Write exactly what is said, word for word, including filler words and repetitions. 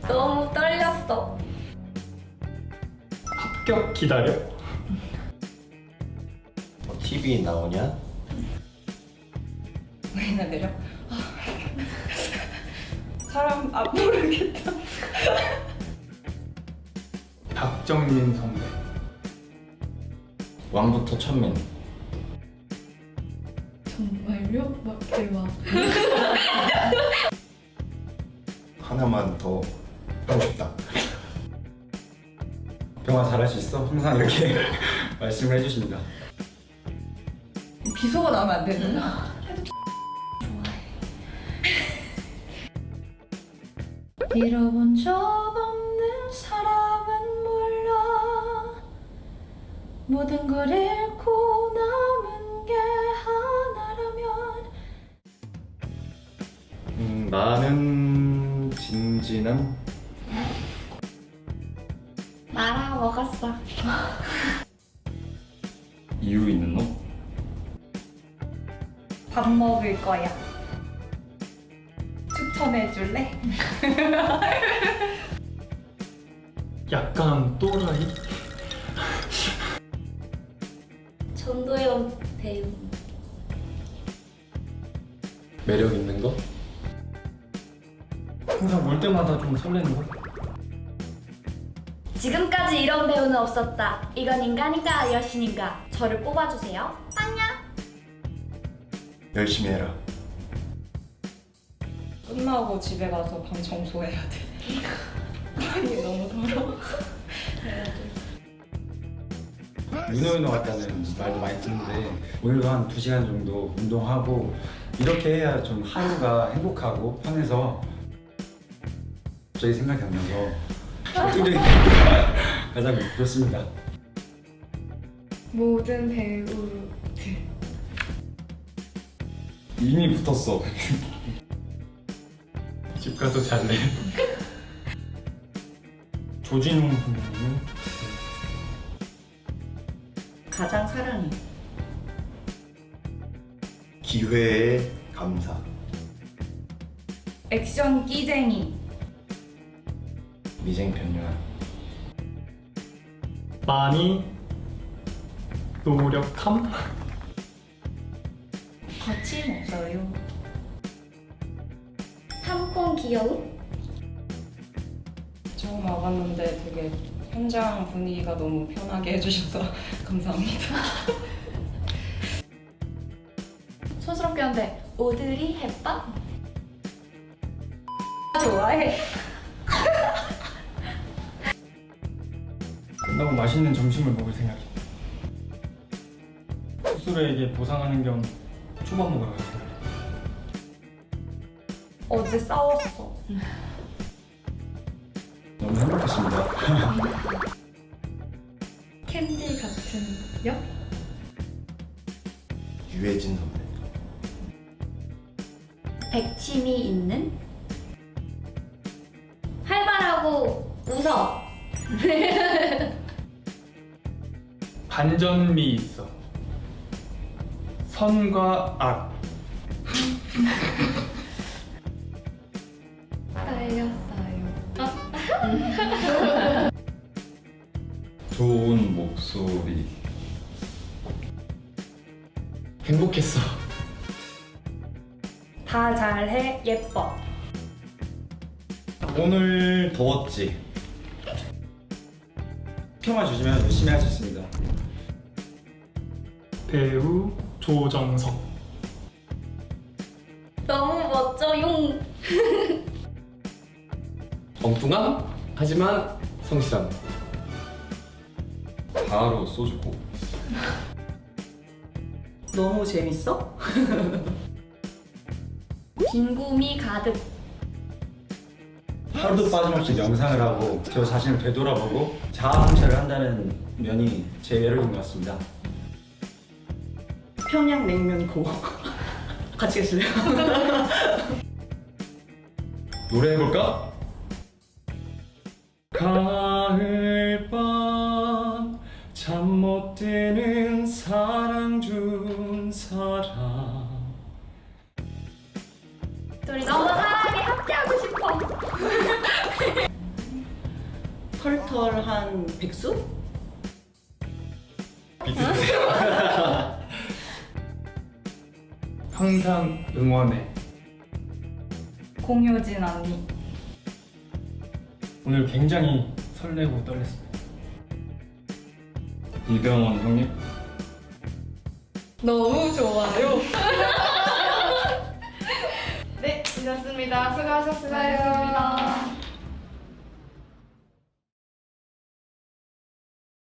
너무 떨렸어. 합격 기다려? 뭐 티비 나오냐? 왜나 내려? 아. 사람 아 모르겠다. 박정민 선배. 왕부터 천민. 정말요? 막 대박. 하나만 더 하고 싶다. 병아 잘할 수 있어? 항상 이렇게 말씀을 해주십니다. 비속어 나오면 안 되는구나. 잃어본 적 없는 사람은 몰라 모든 걸 잃고 남은 게 하나라면 음, 나는 진진한 말아 먹었어. 이유 있는 놈? 밥 먹을 거야. 추천해 줄래? 약간 또라이? 전도연 배우. 매력 있는 거? 항상 볼 때마다 좀 설레는 걸? 지금까지 이런 배우는 없었다. 이건 인간인가 여신인가? 저를 뽑아주세요. 안녕. 열심히 해라. 끝나고 집에 가서 방 청소해야 돼. 방이 너무 더러워. 윤호윤호 같다는 말도 많이 듣는데 오늘도 한 두 시간 정도 운동하고 이렇게 해야 좀 하루가 행복하고 편해서 갑자기 생각이 안 나서 뚜레이 가장 좋습니다. 모든 배우들. 이미 붙었어. 집 가서 잘래. 조진웅 선배님은 가장 사랑해. 기회에 감사. 액션 끼쟁이. 미생 편녀. 많이 노력함? 거침없어요. 삼콩 귀여움? 처음 와봤는데 되게 현장 분위기가 너무 편하게 해주셔서 감사합니다. 촌스럽게 한데 오드리 햇밥? 좋아해. 끝나고 맛있는 점심을 먹을 생각이야. 스스로에게 보상하는 겸 초밥 먹으러 갈 생각이야. 어제 싸웠어. 너무 행복했습니다. 캔디 같은 역? 유해진 선배. 백침이 있는? 활발하고 웃어. 반전미 있어. 선과 악. 떨렸어요. 좋은 목소리. 행복했어. 다 잘해. 예뻐. 오늘 더웠지? 평화 주시면 열심히 할 수 있습니다. 배우 조정석. 너무 멋져, 용. 엉뚱함? 하지만 성실함. 바로 쏘주고. 너무 재밌어? 빈붐이 가득. 하루도 빠짐없이 명상을 하고 저 자신을 되돌아보고 자아 성찰을 한다는 면이 제 매력인 것 같습니다. 평양냉면고. 같이 계실래요? 노래 해볼까? 가을밤 잠 못 드는 사랑 준 사람. 둘이 너무 사랑에 함께하고 싶어. 타이틀한 백수? 항상 응원해. 공효진 언니. 오늘 굉장히 설레고 떨렸습니다. 이병헌 형님? 너무 좋아요. 네, 잊었습니다. 수고하셨어요.